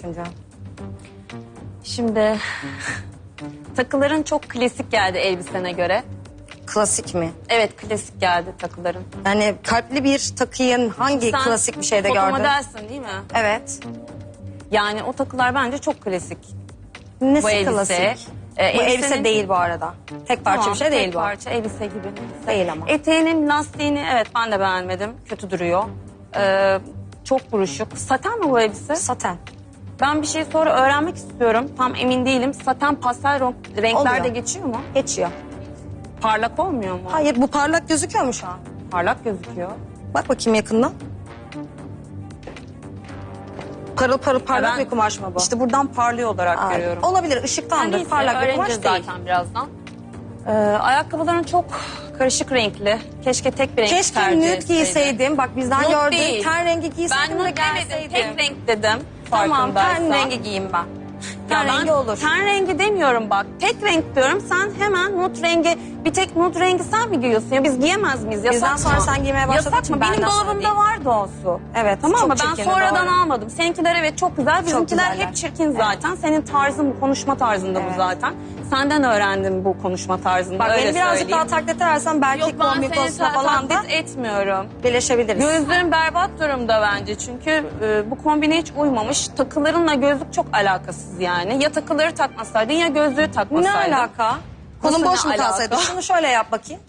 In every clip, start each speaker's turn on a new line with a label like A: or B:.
A: Tuncay?
B: Şimdi takıların çok klasik geldi elbisene göre.
A: Klasik mi?
B: Evet, klasik geldi takıların.
A: Yani kalpli bir takıyı hangi
B: Sen
A: klasik bir şeyde gördün?
B: fotomodelsin değil mi?
A: Evet.
B: Yani o takılar bence çok klasik.
A: Nesi
B: Bu elbise,
A: klasik? Bu
B: elbisenin-
A: elbise değil bu arada. Tek parça
B: Tamam,
A: bir şey değil
B: tek
A: bu.
B: parça elbise gibi.
A: Değil ama.
B: Eteğinin lastiğini evet ben de beğenmedim. Kötü duruyor. Çok buruşuk. Saten mi bu elbise?
A: Saten.
B: Ben bir şey sonra öğrenmek istiyorum. Tam emin değilim. Saten pastel renklerde
A: Oluyor.
B: geçiyor mu?
A: Geçiyor.
B: Parlak olmuyor mu?
A: Hayır, bu parlak gözüküyor mu şu an?
B: Parlak gözüküyor.
A: Bak bakayım yakından. Parıl parıl parlak
B: Ben
A: bir kumaş mı bu?
B: İşte buradan parlıyor olarak
A: Aa,
B: görüyorum.
A: olabilir, ışıktandır.
B: Neyse,
A: Parlak bir kumaş
B: öğreneceğiz
A: değil.
B: zaten birazdan. Ayakkabıların çok karışık renkli. Keşke tek bir renk
A: Keşke
B: tercih
A: nude
B: etseydi.
A: giyseydim. Bak bizden
B: Nude
A: gördüğün
B: değil.
A: ten rengi giyseydim
B: Ben
A: de
B: nude demedim.
A: gelseydim.
B: Tek renk dedim.
A: Tamam, ten
B: farkındaysan.
A: rengi giyeyim ben.
B: Ya
A: Ten
B: ben
A: rengi olur.
B: Ten rengi demiyorum bak. Tek renk diyorum. Sen hemen nude rengi, bir tek nude rengi sen mi giyiyorsun? Ya biz giyemez miyiz? Yasak
A: Bizden
B: mı?
A: sonra sen giymeye başladığın
B: Yasak
A: için
B: mı? Benim
A: benden sonra
B: dolabımda
A: değil.
B: vardı o su.
A: Evet,
B: Tamam
A: çok
B: mı? Ben
A: çirkindi,
B: sonradan
A: doğru.
B: almadım. Seninkiler evet çok güzel. Bizimkiler
A: güzeller.
B: hep çirkin zaten. Senin tarzın bu, konuşma tarzında
A: Evet.
B: bu zaten. Senden öğrendim bu konuşma tarzını.
A: Bak
B: öyle
A: beni birazcık
B: söyleyeyim.
A: daha taklit edersen belki
B: Yok ben
A: kombin
B: seni
A: konusunda falan da
B: taklit etmiyorum.
A: birleşebiliriz.
B: Gözlerin berbat durumda bence çünkü bu kombine hiç uymamış. Takılarınla gözlük çok alakasız yani. Ya takıları takmasaydın ya gözlüğü
A: Ne
B: takmasaydın.
A: alaka? Kolun
B: Nasıl
A: boş mu
B: ne
A: kalsaydı?
B: alaka?
A: Şunu şöyle yap bakayım.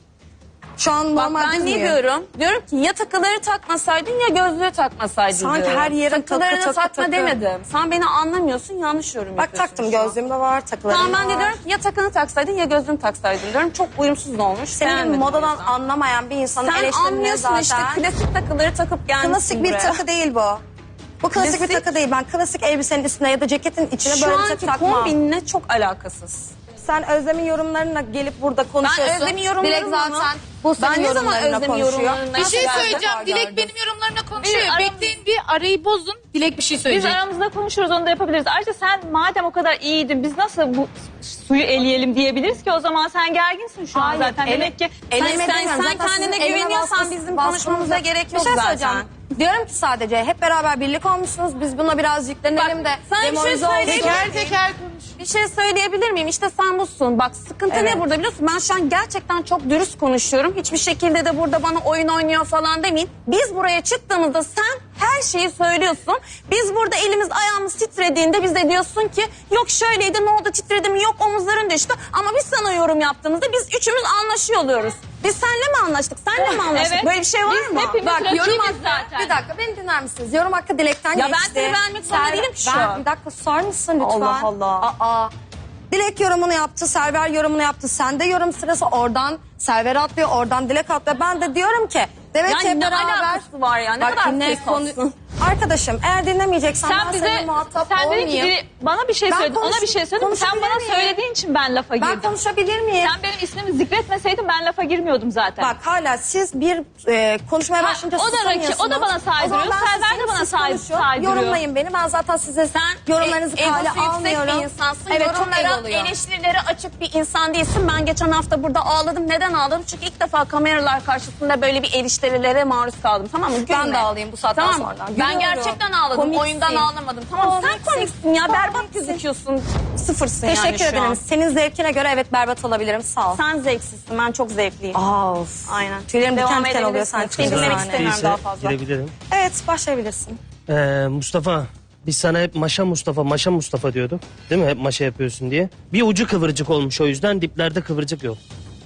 A: Şu an
B: Bak
A: normal
B: ben
A: düz
B: ne
A: mü?
B: diyorum? Diyorum ki ya takıları takmasaydın ya gözlüğü takmasaydın
A: Sanki
B: diyorum.
A: her yere
B: Takılarını
A: takı,
B: takma
A: takı.
B: demedim. Sen beni anlamıyorsun, yanlış yorum
A: Bak
B: yapıyorsun
A: taktım,
B: şu an.
A: gözlüğüm de var, takılarım
B: Tamam ben
A: da
B: de
A: var.
B: diyorum ki ya takını taksaydın ya gözlüğünü taksaydın diyorum. Çok uyumsuz olmuş.
A: Senin gibi
B: beğenmedim o
A: modadan
B: yüzden.
A: anlamayan bir insanın
B: Sen
A: eleştirmeye
B: anlıyorsun
A: zaten.
B: işte klasik takıları takıp gelmişsin
A: Klasik bir
B: buraya.
A: takı değil bu. Bu klasik bir
B: Klasik-
A: takı değil. Ben klasik elbisenin üstüne ya da ceketin içine
B: Şu
A: böyle bir
B: anki
A: takı takmam.
B: kombinle çok alakasız.
A: Sen Özlem'in yorumlarına gelip burada
B: Ben
A: konuşuyorsun.
B: Özlem'in yorumlarını
A: Dilek zaten
B: mı?
A: bu senin
B: Ben ne zaman
A: yorumlarına
B: Özlem'in
A: konuşuyor.
B: yorumlarına
C: Bir şey
B: geldim?
C: söyleyeceğim. Dilek
A: gördüm.
C: benim yorumlarına konuşuyor.
D: Bir aramız-
C: Bekleyin bir arayı bozun. Dilek bir şey
D: Biz
C: söyleyecek.
D: aramızda konuşuruz, onu da yapabiliriz. Ayrıca sen madem o kadar iyiydin, biz nasıl bu suyu eleyelim diyebiliriz ki? O zaman sen gerginsin şu an
A: Hayır,
D: zaten. Demek ki
A: eleme
B: sen
A: demiyorum. Zaten
B: kendine
A: sizin elime
B: güveniyorsan
A: baskısı-
B: bizim
A: baskınız
B: konuşmamıza
A: yok.
B: gerek
A: Bir
B: yok
A: şey
B: zaten.
A: söyleyeceğim. Diyorum ki sadece hep beraber birlik olmuşsunuz. Biz buna biraz yüklenelim de
B: sana bir şey
A: demoralize olduk.
B: söyleyeyim.
C: Teker teker konuş.
B: Bir şey söyleyebilir miyim? İşte sen busun. Bak sıkıntı
A: Evet.
B: ne burada biliyorsun? Ben şu an gerçekten çok dürüst konuşuyorum. Hiçbir şekilde de burada bana oyun oynuyor falan demeyin. Biz buraya çıktığımızda sen her şeyi söylüyorsun. Biz burada elimiz ayağımız titrediğinde bize diyorsun ki yok şöyleydi ne oldu titredi mi yok omuzların düştü. Ama biz sana yorum yaptığımızda biz üçümüz anlaşıyor oluyoruz. Biz seninle mi anlaştık? Senle mi anlaştık?
D: Evet.
B: Böyle bir şey var
D: Biz
B: mı?
D: hepimiz
A: Bak yorum
D: rakibiz
A: hakkı,
D: zaten.
A: bir dakika beni dinler misiniz? Yorum hakkı Dilek'ten
B: Ya ben
A: geçti.
B: seni beğenmek zorunda değilim ki şu an.
A: Bir dakika susar mısın lütfen?
B: Allah Allah.
A: Aa. Dilek yorumunu yaptı, Server yorumunu yaptı. Sende yorum sırası oradan Server atlıyor, oradan Dilek atlıyor. Ben de diyorum ki demek ki
B: Yani ne
A: beraber...
B: alakası var ya? Ne
A: Bak,
B: kadar
A: ne
B: ses
A: konu-
B: olsun.
A: Arkadaşım eğer dinlemeyeceksen
D: sen
A: ben
D: bize,
A: seninle muhatap
D: sen dedin
A: olmayayım.
D: ki bana bir şey
A: Ben
D: söyledin, ona
A: konuş-
D: bir şey söyledin. Sen
A: konuşabilir
D: bana
A: miyim?
D: söylediğin için ben lafa girdim.
A: Ben konuşabilir miyim?
D: Sen benim ismimi zikretmeseydin ben lafa girmiyordum zaten.
A: Bak hala siz bir konuşmaya
D: Ha,
A: başlayınca
D: o da
A: susamıyorsunuz.
D: o da bana saydırıyor,
A: O zaman ben
D: Server de
A: susayım,
D: bana
A: siz konuşun.
D: saydırıyor.
A: Yorumlayın beni. Ben zaten size yorumlarınızı kale
B: egosu yüksek
A: almıyorum.
B: bir insansın.
A: Evet, çok
B: Yorumlara,
A: egoluyum.
B: eleştirilere açık bir insan değilsin. Ben geçen hafta burada ağladım. Neden ağladım? Çünkü ilk defa kameralar karşısında böyle bir eleştirilere maruz kaldım. Tamam mı?
A: Ben
B: Gülme.
A: de ağlayayım bu saatten
B: tamam.
A: sonra.
B: Ben
A: Gülüyorum.
B: gerçekten ağladım.
A: Komiksin.
B: Oyundan ağlamadım. Tamam sen komiksin ya. Berbat
A: Komiksin.
B: gözüküyorsun. Sıfırsın yani
A: Teşekkür
B: şu
A: ederim.
B: an.
A: Senin zevkine göre evet berbat olabilirim. Sağ ol.
B: Sen zevksizsin. Ben çok zevkliyim.
A: Of.
B: Aynen.
A: Tüylerim diken
B: Devam
A: diken oluyor
B: edebilirsin.
A: sen
B: Seni
A: çıkınca
B: dinlemek
A: sahneye.
B: istemiyorum
E: Değilse
B: daha fazla.
E: girebilirim.
A: Evet başlayabilirsin.
E: Mustafa, biz sana hep maşa Mustafa diyorduk. Değil mi? Hep maşa yapıyorsun diye. Bir ucu kıvırcık olmuş o yüzden diplerde kıvırcık yok.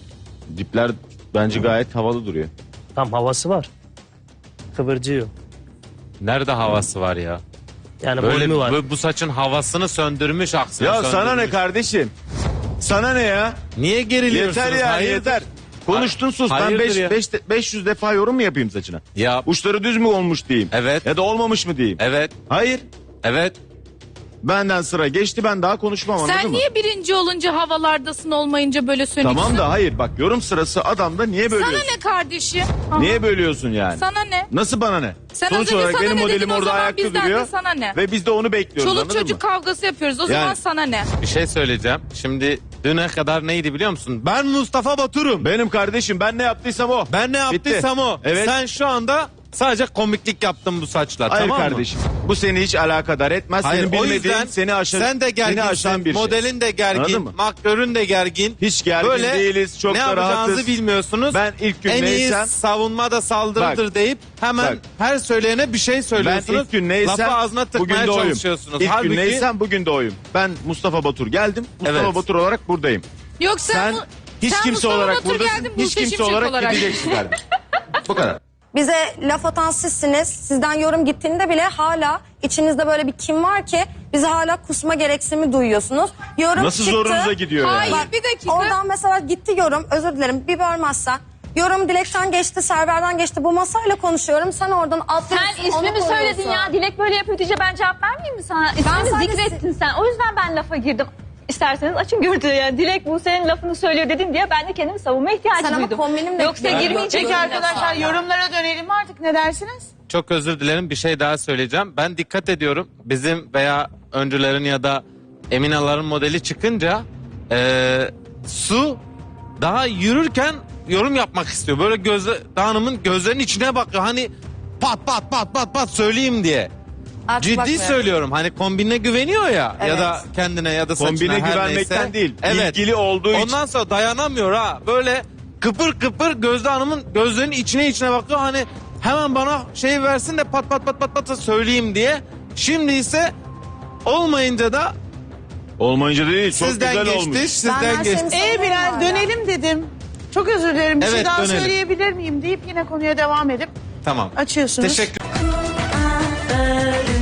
F: Dipler bence gayet havalı duruyor.
E: Tam havası var. Kıvırcığı yok.
G: Nerede havası var ya?
E: Yani
G: Böyle
E: volümü var.
G: bu saçın havasını söndürmüş aksine.
F: Ya sana
G: söndürmüş.
F: ne kardeşim? Sana ne ya?
G: Niye geriliyorsunuz?
F: Yeter ya
G: Hayırdır?
F: yeter. Konuştun sus. Ben
G: Hayırdır ya?
F: 500 defa yorum mu yapayım saçına?
G: Ya
F: Uçları düz mü olmuş diyeyim.
G: Evet.
F: Ya da olmamış mı diyeyim.
G: evet
F: Hayır.
G: evet.
F: Benden sıra geçti, ben daha konuşmam, anladın
C: Sen
F: mı?
C: niye birinci olunca havalardasın, olmayınca böyle sönüksün?
F: Tamam da hayır bak, yorum sırası adamda niye
C: Sana
F: bölüyorsun?
C: ne kardeşim?
F: Niye bölüyorsun yani?
C: Sana ne?
F: Nasıl bana ne?
C: Sen az
F: Sonuç
C: önce
F: olarak
C: sana
F: benim
C: ne
F: modelim
C: dedin, o
F: orada
C: zaman
F: ayakta
C: bizden de
F: duruyor.
C: sana ne?
F: Ve biz de onu bekliyoruz,
C: Çoluk
F: anladın
C: çocuk
F: mı?
C: kavgası yapıyoruz. O zaman
F: Yani-
C: sana ne?
G: Bir şey söyleyeceğim. Şimdi düne kadar neydi biliyor musun?
F: Ben Mustafa Batur'um. Benim kardeşim, ben ne yaptıysam o.
G: Ben ne yaptıysam o.
F: Evet.
G: Sen şu anda Sadece komiklik yaptım bu saçlar.
F: Hayır
G: tamam mı?
F: kardeşim. Bu seni hiç alakadar etmez.
G: Hayır,
F: Senin
G: o
F: bilmediğin
G: yüzden
F: seni aşan,
G: sen de
F: seni
G: gerginsin,
F: aşan bir şey.
G: modelin de
F: Anladın
G: gergin,
F: mı?
G: makyörün de gergin.
F: Hiç gergin
G: Böyle
F: değiliz, çok
G: ne
F: da
G: yapacağınızı
F: rahatız.
G: bilmiyorsunuz.
F: Ben ilk gün
G: en
F: neysem-
G: iyi savunma da saldırıdır
F: Bak,
G: deyip hemen
F: bak.
G: her söyleyene bir şey
F: Ben
G: söylüyorsunuz.
F: ilk gün neysem
G: Lafı ağzına
F: bugün
G: tıkmaya
F: de oyum.
G: çalışıyorsunuz.
F: İlk
G: Halbuki
F: gün neysem bugün de oyum. Ben Mustafa Batur geldim. Mustafa
G: Evet.
F: Batur olarak buradayım.
C: Yok
F: Sen hiç
C: sen
F: kimse
C: Mustafa
F: olarak
C: Batur
F: buradasın.
C: geldin,
F: Hiç
C: Buse
F: kimse
C: Şimşek
F: olarak gideceksin kardeşim. Bu kadar.
A: Bize laf atan sizsiniz. Sizden yorum gittiğinde bile hala içinizde böyle bir kim var ki bizi hala kusma gereksinimi duyuyorsunuz. Yorum
F: Nasıl
A: çıktı.
F: zorunuza gidiyor
C: Hayır,
F: yani?
C: bir dakika.
A: Oradan mesela gitti yorum. Özür dilerim bir bölmezsen. Yorum Dilek'ten geçti, Server'den geçti. Bu masayla konuşuyorum. Sen oradan atlıyorsun.
D: Sen ismimi söyledin ya. Dilek böyle yapıyor diye ben cevap vermeyeyim mi sana? İsmini
A: sadece-
D: zikrettin sen. O yüzden ben lafa girdim. İsterseniz açın gördüğü yani. Dilek bu senin lafını söylüyor dedin diye ben de kendimi savunma ihtiyacı
A: Sen ama
D: duydum.
A: kombinimle-
D: Yoksa
A: Yani-
D: girmeyecektim.
H: Peki arkadaşlar yorumlara dönelim artık ne dersiniz?
G: Çok özür dilerim, bir şey daha söyleyeceğim. Ben dikkat ediyorum. Bizim veya öncülerin ya da Eminaların modeli çıkınca Su daha yürürken yorum yapmak istiyor. Böyle hanımın gözlerinin içine bakıyor. Hani pat pat pat pat pat söyleyeyim diye.
A: Artık
G: Ciddi
A: bakmıyorum.
G: söylüyorum. Hani kombine güveniyor ya ya
A: Evet.
G: da kendine ya da saçına
F: Kombine
G: her
F: güvenmekten
G: neyse.
F: değil,
G: Evet.
F: ilgili olduğu için.
G: Ondan sonra dayanamıyor ha. Böyle kıpır kıpır Gözde Hanım'ın gözlerinin içine bakıyor. Hani hemen bana şey versin de pat pat pat pat pat söyleyeyim diye. Şimdi ise olmayınca da
F: Olmayınca değil, çok
G: sizden
F: güzel
G: geçti.
F: olmuş.
A: Ben
G: Sizden
A: her
G: geçti.
A: şeyimi
H: İyi Bilal
A: hala.
H: dönelim dedim. Çok özür dilerim bir şey
G: Evet,
H: daha
G: dönelim.
H: söyleyebilir miyim deyip yine konuya devam edip
G: Tamam.
H: açıyorsunuz.
G: Teşekkür
I: Öyle